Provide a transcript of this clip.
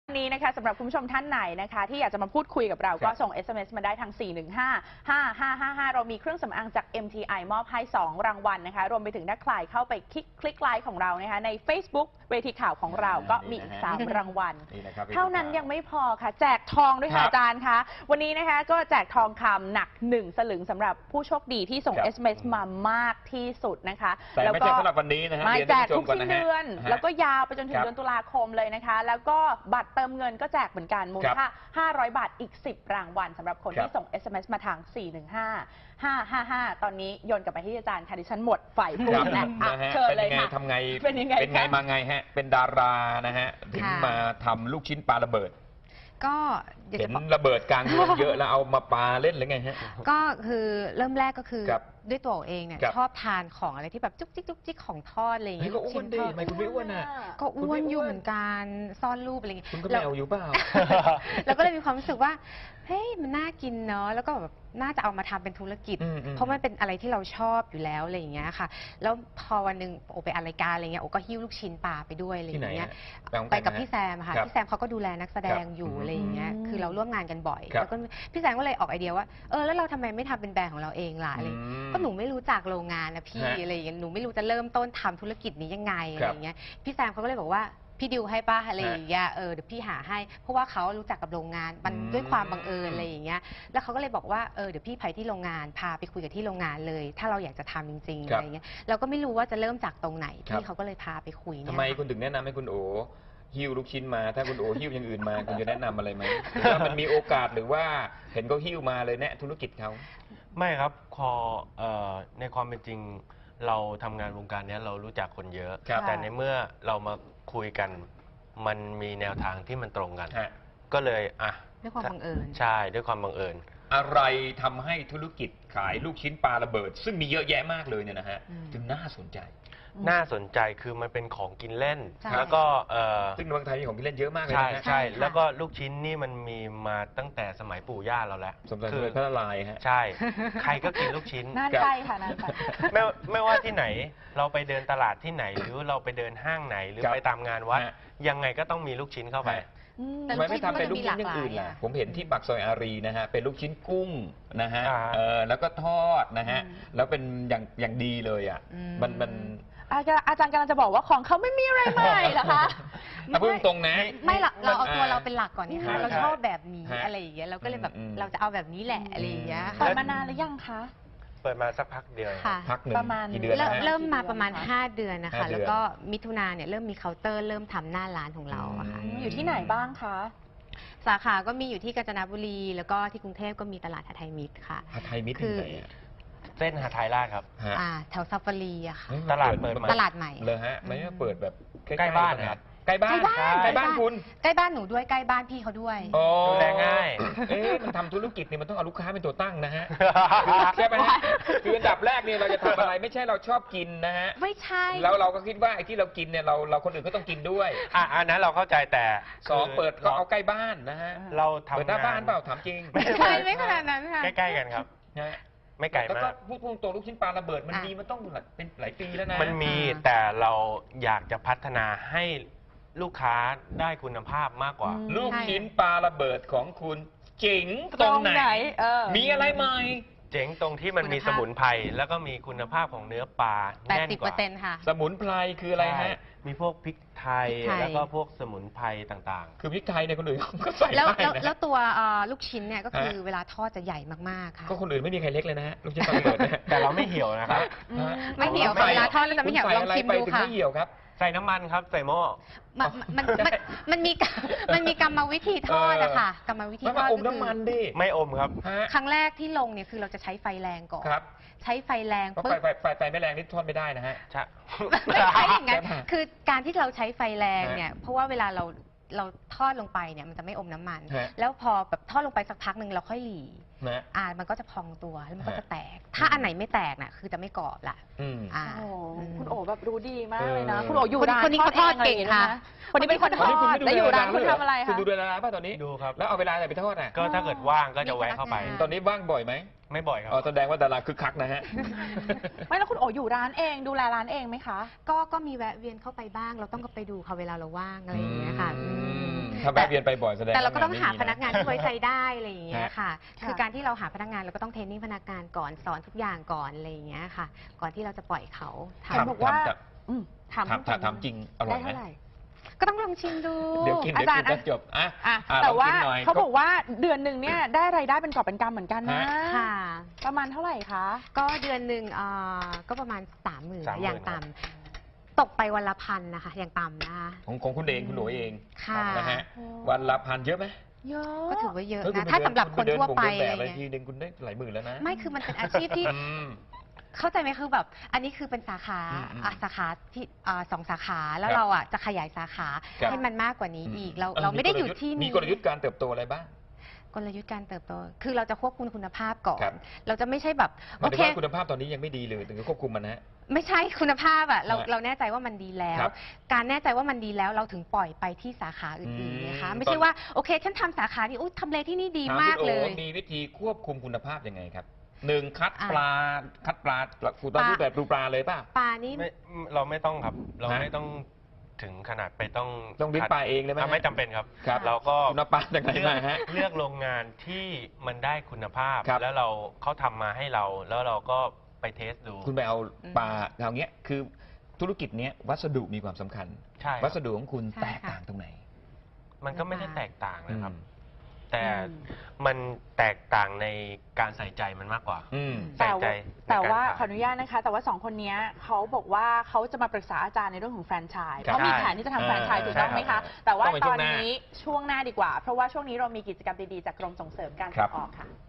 นี้นะคะสำหรับคุณผู้ชมท่านไหนนะคะที่อยากจะมาพูดคุยกับเราก็ส่ง SMS มาได้ทาง 415-5555 เรามีเครื่องสำอางจาก MTI มอบให้ 2 รางวัลนะคะรวมไปถึงถ้าใครเข้าไปคลิกไลค์ของเรานะคะใน Facebook เวทีข่าวของเราก็มีอีก 3 รางวัลเท่านั้นยังไม่พอค่ะแจกทองด้วยค่ะอาจารย์คะวันนี้นะคะก็แจกทองคำหนัก1 สลึงสำหรับผู้โชคดีที่ส่ง SMS มามากที่สุดนะคะแต่ไม่ใช่สำหรับวันนี้นะฮะไม่แจกทุกสิ้นเดือนแล้วก็ยาวไปจนถึงเดือนตุลาคมเลยนะคะแล้วก็บัตรเติมเงินก็แจกเหมือนกันมูลค่า500 บาทอีก10 รางวัลสำหรับคนที่ส่ง SMS มาทาง 415-555 ตอนนี้โยนกลับไปที่อาจารย์ค่ะดิฉันหมดไฟพูดแล้วเชิญเลยค่ะทำไงเป็นไงมาไงฮะเป็นดารานะฮะถึงมาทำลูกชิ้นปลาระเบิดก็เห็นระเบิดกลางเมืองเยอะแล้วเอามาปาเล่นหรือไงฮะก็คือเริ่มแรกก็คือด้วยตัวเองเนี่ยชอบทานของอะไรที่แบบจุกจิกของทอดอะไรอย่างเงี้ยก็อ้วนดีไม่คุณไม่อ้วนอ่ะก็อ้วนอยู่เหมือนกันซ่อนรูปอะไรอย่างเงี้ยคุณก็แมวอยู่เปล่าแล้วก็เลยมีความรู้สึกว่าเฮ้ยมันน่ากินเนาะแล้วก็แบบน่าจะเอามาทำเป็นธุรกิจเพราะมันเป็นอะไรที่เราชอบอยู่แล้วอะไรอย่างเงี้ยค่ะแล้วพอวันหนึ่งโอไปอัดรายการอะไรเงี้ยโอก็หิ้วลูกชิ้นปลาไปด้วยอะไรอย่างเงี้ยไปกับพี่แซมค่ะพี่แซมเขาก็ดูแลนักแสดงอยู่อะไรอย่างเงี้ยคือเราร่วมงานกันบ่อยแล้วก็พี่แซมก็เลยออกไอเดียว่าแล้วเราทำไมไม่ทำเป็นแบรนด์ของเราเองล่ะอะไรก็หนูไม่รู้จักโรงงานนะพี่อะไรอย่างเงี้ยหนูไม่รู้จะเริ่มต้นทำธุรกิจนี้ยังไงอะไรอย่างเงี้ยพี่แซมเขาก็เลยบอกว่าพี่ดิวให้ป้าอะไรอย่างเงี้ยเดี๋ยวพี่หาให้เพราะว่าเขารู้จักกับโรงงานมันด้วยความบังเอิญอะไรอย่างเงี้ยแล้วเขาก็เลยบอกว่าเดี๋ยวพี่ไปที่โรงงานพาไปคุยกับที่โรงงานเลยถ้าเราอยากจะทำจริงๆอะไรเงี้ยเราก็ไม่รู้ว่าจะเริ่มจากตรงไหนพี่เขาก็เลยพาไปคุยทำไมคุณถึงแนะนำให้คุณโอหิ้วลูกชิ้นมาถ้าคุณโอหิ้วอย่างอื่นมาคุณจะแนะนำอะไรไหมว่ามันมีโอกาสหรือว่าเห็นเขาหิ้วมาเลยแนะธุรกิจเขาไม่ครับในความเป็นจริงเราทำงานวงการนี้เรารู้จักคนเยอะแต่ในเมื่อเรามาคุยกันมันมีแนวทางที่มันตรงกันก็เลยด้วยความบังเอิญใช่ด้วยความบังเอิญอะไรทำให้ธุรกิจขายลูกชิ้นปลาระเบิดซึ่งมีเยอะแยะมากเลยเนี่ยนะฮะถึงน่าสนใจคือมันเป็นของกินเล่นแล้วก็ซึ่งในเมืองไทยมีของกินเล่นเยอะมากเลยนะใช่แล้วก็ลูกชิ้นนี่มันมีมาตั้งแต่สมัยปู่ย่าเราแล้วคือพระละลายฮะใช่ใครก็กินลูกชิ้นน่าใจค่ะน่าใจไม่ว่าที่ไหนเราไปเดินตลาดที่ไหนหรือเราไปเดินห้างไหนหรือไปตามงานวัดยังไงก็ต้องมีลูกชิ้นเข้าไปทำไมไม่ทำเป็นลูกชิ้นอย่างอื่นล่ะผมเห็นที่ปากซอยอารีนะฮะเป็นลูกชิ้นกุ้งนะฮะแล้วก็ทอดนะฮะแล้วเป็นอย่างดีเลยอ่ะมันอาจารย์กำลังจะบอกว่าของเขาไม่มีอะไรใหม่เหรอคะพูดตรงนะไม่หรอกเราเอาตัวเราเป็นหลักก่อนนี่ค่ะเราชอบแบบนี้อะไรอย่างเงี้ยเราก็เลยแบบเราจะเอาแบบนี้แหละอะไรอย่างเงี้ยเปิดมานานหรือยังคะเปิดมาสักพักเดียวพักหนึ่งประมาณกี่เดือนเริ่มมาประมาณ5 เดือนนะคะแล้วก็มิถุนาเนี่ยเริ่มมีเคาน์เตอร์เริ่มทำหน้าร้านของเราอะค่ะอยู่ที่ไหนบ้างคะสาขาก็มีอยู่ที่กาญจนบุรีแล้วก็ที่กรุงเทพก็มีตลาดหทัยมิตรค่ะหทัยมิตรคือเส้นหทัยราชครับแถวซาฟารีอะค่ะตลาดเปิดตลาดใหม่เลยฮะไม่เปิดแบบใกล้บ้านครับใกล้บ้านคุณใกล้บ้านหนูด้วยใกล้บ้านพี่เขาด้วยดูแลง่ายมันทำธุรกิจเนี่ยมันต้องเอาลูกค้าเป็นตัวตั้งนะฮะใช่ไหมฮะคืออันดับแรกเนี่ยเราจะทำอะไรไม่ใช่เราชอบกินนะฮะไม่ใช่แล้วเราก็คิดว่าไอ้ที่เรากินเนี่ยเราคนอื่นก็ต้องกินด้วยอันนั้นเราเข้าใจแต่ 2เปิดก็เอาใกล้บ้านนะฮะเราทำเปิดหน้าบ้านเปล่าถามจริงไม่ใช่ไม่ขนาดนั้นค่ะใกล้ๆกันครับไม่ไกลมากแล้วก็พูดตัวลูกชิ้นปลาระเบิดมันมีมันต้องเป็นหลายปีแล้วนะมันมีแต่เราอยากจะพัฒนาให้ลูกค้าได้คุณภาพมากกว่าลูกชิ้นปลาระเบิดของคุณเจ๋งตรงไหนมีอะไรใหม่เจ๋งตรงที่มันมีสมุนไพรแล้วก็มีคุณภาพของเนื้อปลาแน่นกว่า 80%ค่ะสมุนไพรคืออะไรฮะมีพวกพริกไทยแล้วก็พวกสมุนไพรต่างๆคือพริกไทยเนี่ยคนอื่นก็ใส่ได้นะแล้วตัวลูกชิ้นเนี่ยก็คือเวลาทอดจะใหญ่มากๆค่ะก็คนอื่นไม่มีใครเล็กเลยนะฮะลูกชิ้นปลาระเบิดแต่เราไม่เหี่ยวนะครับไม่เหี่ยวเวลาทอดแล้วจะไม่เหี่ยวลองชิมดูค่ะไม่เหี่ยวครับใส่น้ำมันครับใส่หม้อมันมีกรรมวิธีทอดอะค่ะกรรมวิธีทอดอมน้ำมันดิไม่อมครับครั้งแรกที่ลงเนี่ยคือเราจะใช้ไฟแรงก่อนใช้ไฟแรงปุ๊บไฟไม่แรงนี่ทอดไม่ได้นะฮะไม่ใช่อย่างนั้นคือการที่เราใช้ไฟแรงเนี่ยเพราะว่าเวลาเราทอดลงไปเนี่ยมันจะไม่อมน้ำมันแล้วพอแบบทอดลงไปสักพักหนึ่งเราค่อยหลีมันก็จะพองตัวแล้วมันก็จะแตกถ้าอันไหนไม่แตกน่ะคือจะไม่กรอบละคุณโอแบบรู้ดีมากเลยนะคุณโออยู่ร้านคนนี้เขาทอดเก่งค่ะคนนี้เป็นคนทอดแล้วอยู่ร้านคุณทำอะไรคะคุณดูเวลาป่ะตอนนี้ดูครับแล้วเอาเวลาไหนไปทอดอ่ะก็ถ้าเกิดว่างก็จะแวะเข้าไปตอนนี้ว่างบ่อยไหมไม่บ่อยครับแสดงว่าดาราคึกคักนะฮะไม่แล้วคุณโออยู่ร้านเองดูแลร้านเองไหมคะก็มีแวะเวียนเข้าไปบ้างเราต้องก็ไปดูค่ะเวลาเราว่างอะไรอย่างเงี้ยค่ะถ้าแวะเวียนไปบ่อยแสดงแต่เราก็ต้องหาว่พนักงานที่ไว้ใจได้อะไรอย่างเงี้ยค่ะค่ะคือการที่เราหาพนักงานเราก็ต้องเทรนนิ่งพนักงานก่อนสอนทุกอย่างก่อนอะไรอย่างเงี้ยค่ะ ก่อนที่เราจะปล่อยเขาถามบอกว่าอืมถามถามจริงอร่อยได้ไหมเท่าไหร่ก็ต้องลองชิมดูเดี๋ยวกินอาจารย์จะจบอ่ะอ่ะอ่ะแต่ลองว่ากินหน่อยเขาบอกว่าเดือนหนึ่งเนี่ยได้รายได้เป็นกอบเป็นกำเหมือนกันนะค่ะประมาณเท่าไหร่คะก็เดือนหนึ่งก็ประมาณ30,000 30,000 อย่างต่ำตกไปวันละ1,000นะคะอย่างต่ำนะคะของคุณเองคุณหนูเองค่ะนะฮะโอ้วันละ1,000เยอะไหมเยอะก็ถือว่าเยอะเฮ้ยคุณนะถ้าสำหรับคนทั่วไปเดินอะไรแบบทีเงี้ยนึงคุณได้หลายหมื่นแล้วนะไม่คือมันเป็นอาชีพที่อืมเข้าใจไหมคือแบบ อันนี้คือเป็นสาขา สาขาที่2 สาขาแล้วเราอ่ะจะขยายสาขาครับให้มันมากกว่านี้อีกเราไม่ได้อยู่ที่มีนี้กลยุทธ์การเติบโตอะไรบ้างกลยุทธ์การเติบโตคือเราจะควบคุมคุณภาพก่อนครับเราจะไม่ใช่แบบหมาโอยถึงเคว่าคุณภาพตอนนี้ยังไม่ดีเลยถึงจะควบคุมมันนะฮะไม่ใช่คุณภาพอ่ะเราฮะเราแน่ใจว่ามันดีแล้วครับการแน่ใจว่ามันดีแล้วเราถึงปล่อยไปที่สาขาอื่นๆนะคะไม่ใช่ว่าโอเคฉันทำสาขานี้อุ๊ยทำเลที่นี่ดีถมากคุณเลโอ๋ยมีวิธีควบคุมคุณภาพยังไงครับหนึ่งคัดอ่ะปลาคุณต้องปลารูปแบบดูปลาเลยป่ะปลานี่เราไม่ต้องครับ เราฮะไม่ต้องถึงขนาดไปต้องต้องลิ้นปลาเองเลยไหมไม่จำเป็นครับครับเราก็คุณเอาปลาจากไหนมาฮะเลือกโรงงานที่มันได้คุณภาพครับแล้วเขาทำมาให้เรา แล้วเราก็ไปเทสดูคุณไปเอาปลาเอาเงี้ยคือธุรกิจเนี้ยวัสดุมีความสำคัญใช่ครับวัสดุของคุณใช่แตกค่ะต่างตรงไหนมันก็ไม่ได้แตกต่างนะครับอืมแต่อืมมันแตกต่างในการใส่ใจมันมากกว่าอืมใส่ใจแต่ว่าในการขายขออนุญาตนะคะ แต่ว่า2คนเนี้ยเขาบอกว่าเขาจะมาปรึกษาอาจารย์ในเรื่องของแฟรนไชส์ครับเขามีแผนที่จะทำแฟรนไชส์ใช่ถูกต้องไหมครัคะบแต่ว่าต้องเป็นตช่อวน งหน้านี้ช่วงหน้าดีกว่า เพราะว่าช่วงนี้เรามีกิจกรรมดีๆจากกรมส่งเสริมการครัส่บงออกค่ะ